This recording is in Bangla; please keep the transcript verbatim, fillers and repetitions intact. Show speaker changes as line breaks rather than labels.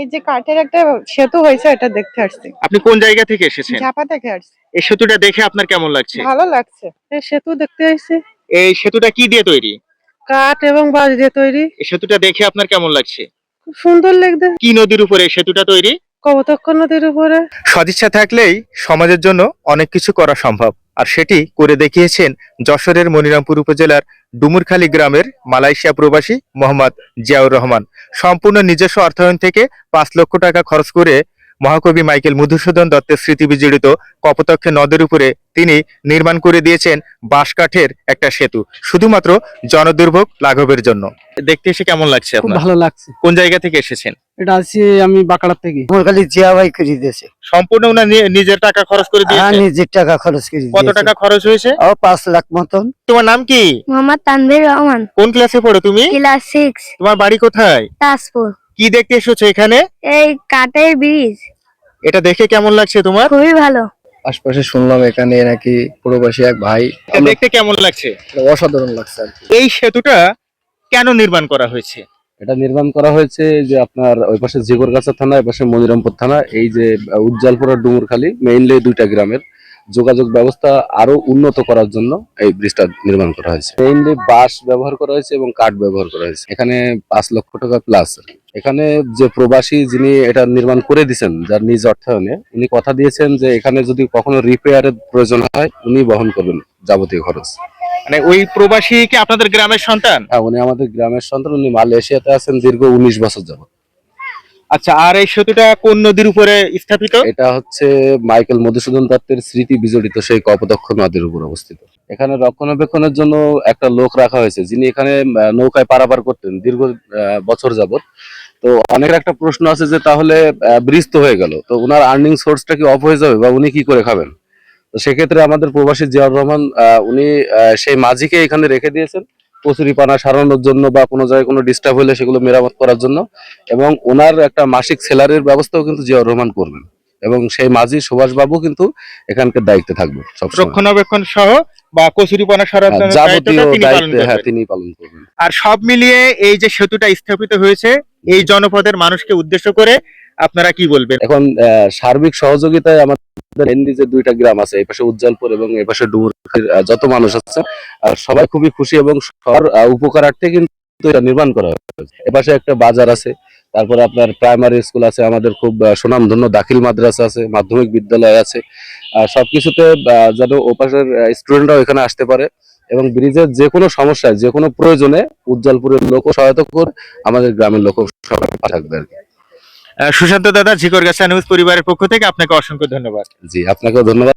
এই যে কাঠের একটা সেতু হয়েছে এটা দেখতে আসছি।
আপনি কোন জায়গা থেকে এসেছেন?
ঝাপা থেকে আসছি।
এই সেতুটা দেখে আপনার কেমন লাগছে?
ভালো লাগছে। এই সেতু দেখতে আসছি।
এই সেতুটা কি দিয়ে তৈরি?
কাঠ এবং বাঁশ দিয়ে তৈরি।
এই সেতুটা দেখে আপনার কেমন লাগছে?
খুব সুন্দর লাগছে।
কি নদীর উপরে এই সেতুটা তৈরি?
কপোতাক্ষ নদীর উপরে।
সদিচ্ছা থাকলেই সমাজের জন্য অনেক কিছু করা সম্ভব, আর সেটি করে দেখিয়েছেন যশোরের মনিরামপুর উপজেলার ডুমুরখালী গ্রামের মালয়েশিয়া প্রবাসী মোহাম্মদ জিয়াউর রহমান। সম্পূর্ণ নিজস্ব অর্থায়ন থেকে পাঁচ লক্ষ টাকা খরচ করে মহাকবি মাইকেল মধুসূদন দত্তের স্মৃতি বিজড়িত কপোতাক্ষ নদের উপরে তিনি নির্মাণ করে দিয়েছেন বাঁশ কাঠের একটা সেতু, শুধুমাত্র জনদুর্ভোগ লাঘবের জন্য। দেখতে এসে কেমন লাগছে
খুব
আপনার?
ভালো লাগছে।
কোন জায়গা থেকে এসেছেন?
এটা আছি আমি বাঁকড়া থেকে।
আমার খালি জিয়া ভাই করে দিয়েছে।
সম্পূর্ণ উনার নি- নিজের টাকা খরচ করে
হ্যাঁ,
দিয়েছেন?
নিজের টাকা খরচ করে
কত
দিয়েছে।
টাকা খরচ হয়েছে?
ও পাঁচ লাখ মতন।
তোমার নাম কি?
মোহাম্মদ তানভীর রহমান,
কোন ক্লাসে পড়ো তুমি?
ক্লাস সিক্স,
তোমার বাড়ি কোথায়?
তাজপুর।
কি দেখতে এসেছো এখানে?
এই কাঠের ব্রিজ
এটা দেখে কেমন লাগছে তোমার?
খুবই ভালো।
আশপাশে শুনলাম এখানে নাকি প্রবাসী এক ভাই।
এটা দেখতে কেমন লাগছে?
অসাধারণ লাগছে আর কি।
এই সেতুটা কেন নির্মাণ করা হয়েছে?
এটা নির্মাণ করা হয়েছে যে আপনার ওই পাশে জিগরগাছা থানা, এই পাশে মনিরামপুর থানা, এই যে উজ্জ্বলপুর আর ডুমুরখালী মেইনলি দুইটা গ্রামের যোগাযোগ ব্যবস্থা আরো উন্নত করার জন্য এই ব্রিজটা নির্মাণ করা হয়েছে। মেইনলি বাঁশ ব্যবহার করা হয়েছে এবং কাঠ ব্যবহার করা হয়েছে। এখানে পাঁচ লক্ষ টাকা প্লাস। এখানে যে প্রবাসী যিনি এটা নির্মাণ করে দিয়েছেন যার নিজ অর্থায়নে, উনি কথা দিয়েছেন যে এখানে যদি কখনো রিপেয়ারের প্রয়োজন হয় উনি বহন করবেন যাবতীয় খরচ।
মানে ওই প্রবাসী কি আপনাদের গ্রামের সন্তান?
হ্যাঁ, উনি আমাদের গ্রামের সন্তান। উনি মালয়েশিয়াতে আছেন দীর্ঘ উনিশ বছর যাবত।
আচ্ছা, আর এই সেতুটা কোন নদীর উপরে স্থাপিত?
এটা হচ্ছে মাইকেল মধুসূদন দত্তের স্মৃতি বিজড়িত সেই কপোতাক্ষ নদীর উপর অবস্থিত। এখানে রক্ষণাবেক্ষণের জন্য একটা লোক রাখা হয়েছে যিনি এখানে আহ, নৌকায় পারাপার করতেন দীর্ঘ আহ, বছর যাবত। তো অনেক একটা প্রশ্ন আছে যে তাহলে ব্রিজ তো হয়ে গেল, তো ওনার আর্নিং সোর্সটা কি অফ হয়ে যাবে বা উনি কি করে খাবেন? তো সেক্ষেত্রে আমাদের প্রবাসী জিয়াউর রহমান আহ, উনি আহ, সেই মাঝিকে এখানে রেখে দিয়েছেন কচুরিপানা সারানোর জন্য বা কোনো জায়গায় কোনো ডিস্টার্ব হলে সেগুলো মেরামত করার জন্য, এবং ওনার একটা মাসিক স্যালারির ব্যবস্থাও কিন্তু জিয়াউর রহমান করবেন, এবং সেই মাঝি সুভাষ বাবু কিন্তু এখানকার দায়িত্বে থাকবে সবসময়।
রক্ষণাবেক্ষণ সহ বা কচুরিপানা সরানোর
হ্যাঁ,
দায়িত্বটা
যাবতীয়
তিনি পালন
দায়িত্ব হ্যাঁ
করবেন।
তিনি পালন করবেন।
আর সব মিলিয়ে এই যে সেতুটা স্থাপিত হয়েছে এই জনপদের মানুষকে উদ্দেশ্য করে আপনারা কি বলবেন?
এখন আহ, সার্বিক সহযোগিতায় আমাদের মেনলি যে দুইটা গ্রাম আছে, এই পাশে উজ্জ্বলপুর এবং এই পাশে ডুমুরখালীর আহ, যত মানুষ আছে আহ, সবাই খুবই খুশি এবং সবার আহ, উপকারার্থে কিন্তু এটা নির্মাণ করা হয়েছে। এপাশে একটা বাজার আছে, তারপরে আপনার প্রাইমারি স্কুল আছে, আমাদের খুব আহ, সুনামধন্য দাখিল মাদ্রাসা আছে, মাধ্যমিক বিদ্যালয় আছে। আহ, সবকিছুতে আহ, যেন ওপাশের স্টুডেন্টরাও এখানে আসতে পারে, এবং ব্রিজের যে কোনো সমস্যায় যে কোনো প্রয়োজনে উজ্জ্বলপুরের লোক সহায়তা করে আমাদের গ্রামের লোক সবাই থাকবে আর কি।
আহ, সুশান্ত দাদা, ঝিকরগাছা নিউজ পরিবারের পক্ষ থেকে আপনাকে অসংখ্য ধন্যবাদ।
জি, আপনাকেও ধন্যবাদ।